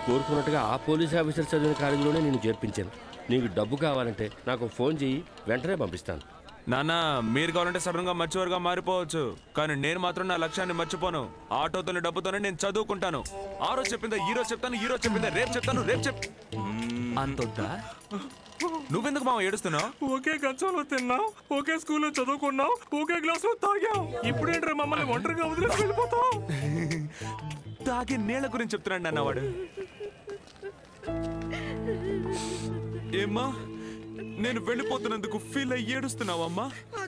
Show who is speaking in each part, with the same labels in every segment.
Speaker 1: కోరుకున్నట్టుగా ఆ police officer చదివిన కాలేజీలోనే నేను చేర్పించాను. నీకు డబ్బు కావాలంటే నాకు ఫోన్ చెయ్యి, వెంటనే పంపిస్తాను.
Speaker 2: నాన్న, మీరు కావాలంటే సడన్ గా మర్చివారుగా మారిపోవచ్చు, కానీ నేను మాత్రం నా లక్ష్యాన్ని మర్చిపోను. ఆటోతోనే డబ్బుతోనే నేను చదువుకుంటాను. ఆ రోజు చెప్పిందా ఈ రోజు చెప్తాను, ఈ రోజు చెప్పిందా రేపు చెప్తాను, రేపు అంతొద్దా? నువ్వెందుకు మామ ఏడుస్తున్నావు?
Speaker 3: ఒకే కంచంలో తిన్నావు, ఒకే స్కూల్లో చదువుకున్నావు, ఒకే గ్లాస్ లో తాగావు. ఇప్పుడేంట్రా మమ్మల్ని ఒంటరిగా వదిలేసి వెళ్ళిపోతావు?
Speaker 2: తాగే నీళ్ళ గురించి చెప్తున్నాడు నాన్న వాడు. ఏమ్మా, నేను వెళ్ళిపోతున్నందుకు ఫీల్ అయ్యి ఏడుస్తున్నావమ్మా?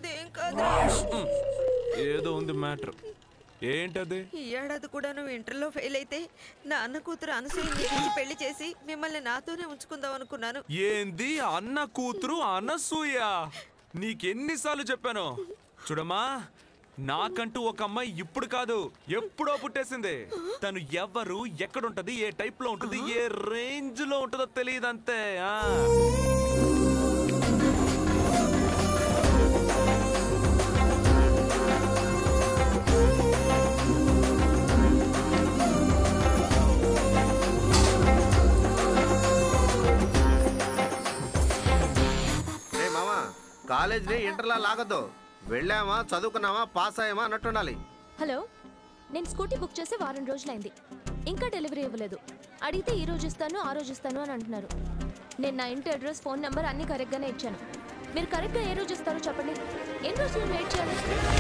Speaker 2: ఏదో ఉంది మ్యాటర్. ఏంటది?
Speaker 4: ఈ ఏడాది కూడా నువ్వు ఇంటర్లో ఫెయిల్ అయితే నా అన్న కూతురు అనసూయని పెళ్లి చేసి మిమ్మల్ని నాతోనే ఉంచుకుందాం అనుకున్నాను.
Speaker 2: ఏంది అన్న కూతురు అనసూయ? నీకెన్నిసార్లు చెప్పాను? చూడమ్మా, నాకంటూ ఒక అమ్మాయి ఇప్పుడు కాదు ఎప్పుడో పుట్టేసింది. తను ఎవరు, ఎక్కడుంటది, ఏ టైప్ లో ఉంటది, ఏ రేంజ్ లో ఉంటుందో తెలియదంతే.
Speaker 5: కాలేజీని ఇంటర్లా లాగద్దు. వెళ్ళామా, చదువుకున్నామా, పాస్ అయ్యామా అన్నట్టుండాలి.
Speaker 6: హలో, నేను స్కూటీ బుక్ చేసి వారం రోజులైంది, ఇంకా డెలివరీ ఇవ్వలేదు. అడిగితే ఈ రోజు ఇస్తాను, ఆ రోజు ఇస్తాను అని అంటున్నారు. నేను నా ఇంటి అడ్రస్, ఫోన్ నెంబర్ అన్ని కరెక్ట్గానే ఇచ్చాను. మీరు కరెక్ట్గా ఏ రోజు ఇస్తారో చెప్పండి. ఎన్ని రోజులు వెయిట్ చేయాలి?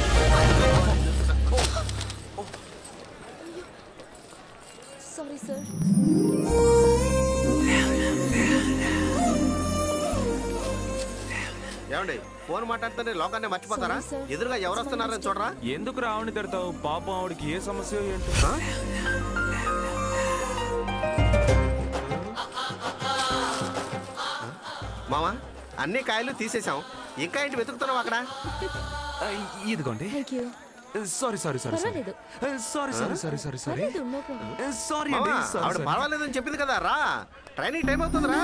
Speaker 6: Sorry sir.
Speaker 5: ఏమండి, ఫోన్ మాట్లాడితేనే లోకాన్ని మర్చిపోతారా? ఎదురుగా ఎవరు వస్తున్నారని చూడరా?
Speaker 2: ఎందుకు రావణి తిడతావు? పాపం ఆవిడకి ఏ సమస్య ఏంటి?
Speaker 5: మామా, అన్ని కాయలు తీసేసాం, ఇంకా ఏంటి వెతుకుతున్నావు అక్కడ?
Speaker 2: ఇదిగోండి. Sorry sorry sorry sorry sorry sorry sorry sorry sorry sorry అండి.
Speaker 5: ఆవిడ పర్వాలేదని చెప్పింది కదా, రా, ట్రైనింగ్ టైం అవుతుందిరా.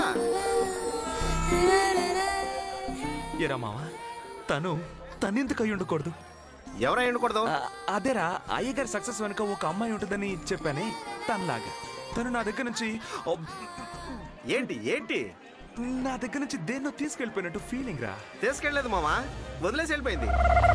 Speaker 2: ఏరా మావా, తనెందుకు అయి ఉండకూడదు?
Speaker 5: ఎవరై ఉండకూడదు?
Speaker 2: అదేరా, అయ్యగారి సక్సెస్ వెనుక ఒక అమ్మాయి ఉంటుందని చెప్పానే, తనలాగా. తను నా దగ్గర నుంచి
Speaker 5: ఏంటి ఏంటి
Speaker 2: నా దగ్గర నుంచి దేన్నో తీసుకెళ్ళిపోయినట్టు ఫీలింగ్ రా.
Speaker 5: తీసుకెళ్ళలేదు మామా, వదిలేసి వెళ్ళిపోయింది.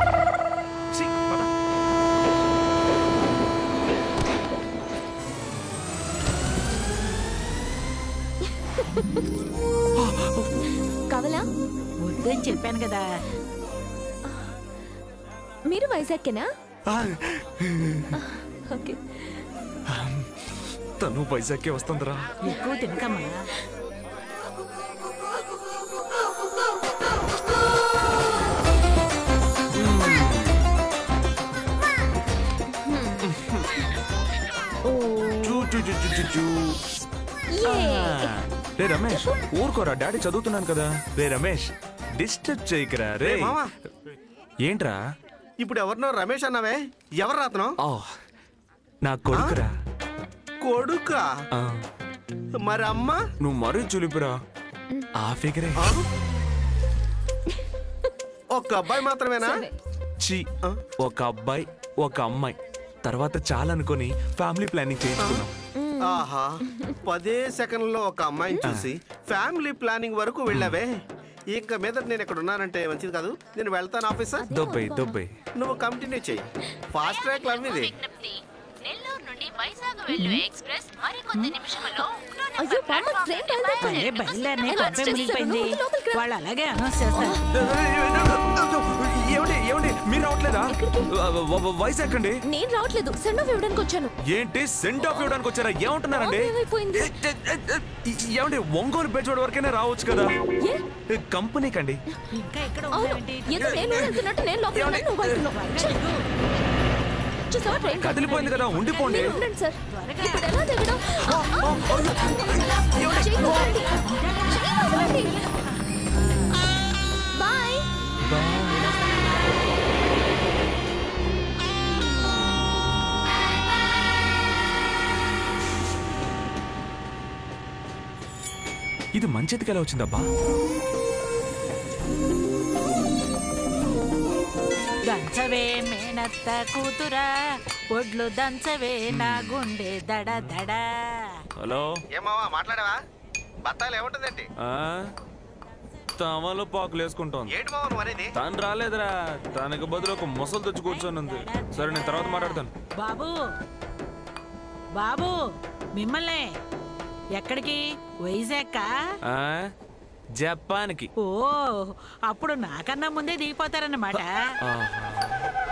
Speaker 6: కావాలా?
Speaker 7: వద్దని చెప్పాను కదా.
Speaker 6: మీరు వైజాగ్కేనా? ఓకే.
Speaker 2: తను వైజాగ్కే వస్తుందిరా.
Speaker 7: ఎక్కువ తినకమ్మా.
Speaker 2: రే రమేష్, ఊరుకోరా, డాడీ చదువుతున్నాను కదా. రే రమేష్, డిస్టర్బ్ చేయకరా. రే ఏంట్రా
Speaker 5: ఇప్పుడు ఎవరినో రమేష్ అన్నావే, ఎవరు రాతను?
Speaker 2: నా కొడుకురా.
Speaker 5: కొడుకా? మరి అమ్మ?
Speaker 2: నువ్వు మరీ చులిపురా. ఆ ఫిగరే.
Speaker 5: ఒక అబ్బాయి మాత్రమేనా?
Speaker 2: ఒక అబ్బాయి, ఒక అమ్మాయి, తర్వాత చాలా అనుకుని ఫ్యామిలీ ప్లానింగ్ చేయించుకున్నాం.
Speaker 5: ఆహా, 10 సెకండ్లో ఒక అమ్మాయిని చూసి ఫ్యామిలీ ప్లానింగ్ వరకు వెళ్ళావే. ఇంకా మీద నేను ఇక్కడ ఉన్నానంటే మంచిది కాదు. నేను వెళ్తాను ఆఫీసర్.
Speaker 2: దొబ్బై
Speaker 5: నువ్వు కంటిన్యూ చెయ్యి. ఫాస్ట్ ట్రాక్ లవ్ ఇది.
Speaker 8: నెల్లూరు నుండి వైజాగ్ వెళ్ళు ఎక్స్‌ప్రెస్ మరికొద్ది నిమిషాల్లో
Speaker 7: వాళ్ళు అలాగే అనౌన్స్ చేస్తారు.
Speaker 2: ఏమండి మీరు రావట్లేదా? వైజాగ్ అండి.
Speaker 6: నేను రావట్లేదు, సెండ్ ఆఫ్ ఇవ్వడానికి వచ్చాను.
Speaker 2: ఏంటి సెండ్ ఆఫ్ ఇవ్వడానికి వచ్చారా? ఏమంటున్నారండి? ఏమండి, ఒంగోలు బెడ్జోడ్ వరకైనా రావచ్చు కదా కంపెనీకి అండి.
Speaker 7: ఇంకా ఎక్కడ
Speaker 2: కదిలిపోయింది కదా, ఉండిపోండి. ఇది మంచిదికి ఎలా వచ్చిందబ్బా?
Speaker 7: దంచవే మేనత్త కూతురా, ఒడ్లు దంచవే నా గుండె దడ దడ.
Speaker 2: హలో
Speaker 5: ఏమావా మాట్లాడావా బత్తాలు ఏముంటుందండి
Speaker 2: ఆ? తమలో పాకులు వేసుకుంటోంది.
Speaker 5: ఏంటి మావా నువ్వు అనేది?
Speaker 2: తను రాలేదురా, తనకి బదులు ఒక ముసలు తెచ్చి కూర్చొని ఉంది. సరే నేను తర్వాత మాట్లాడతాను.
Speaker 7: బాబు బాబు మిమ్మల్ని ఎక్కడికి? వైజాగ్?
Speaker 2: ఆ? జపాన్కి.
Speaker 7: ఓ అప్పుడు నాకన్నా ముందే దిగిపోతారన్నమాట.
Speaker 2: ఆహా.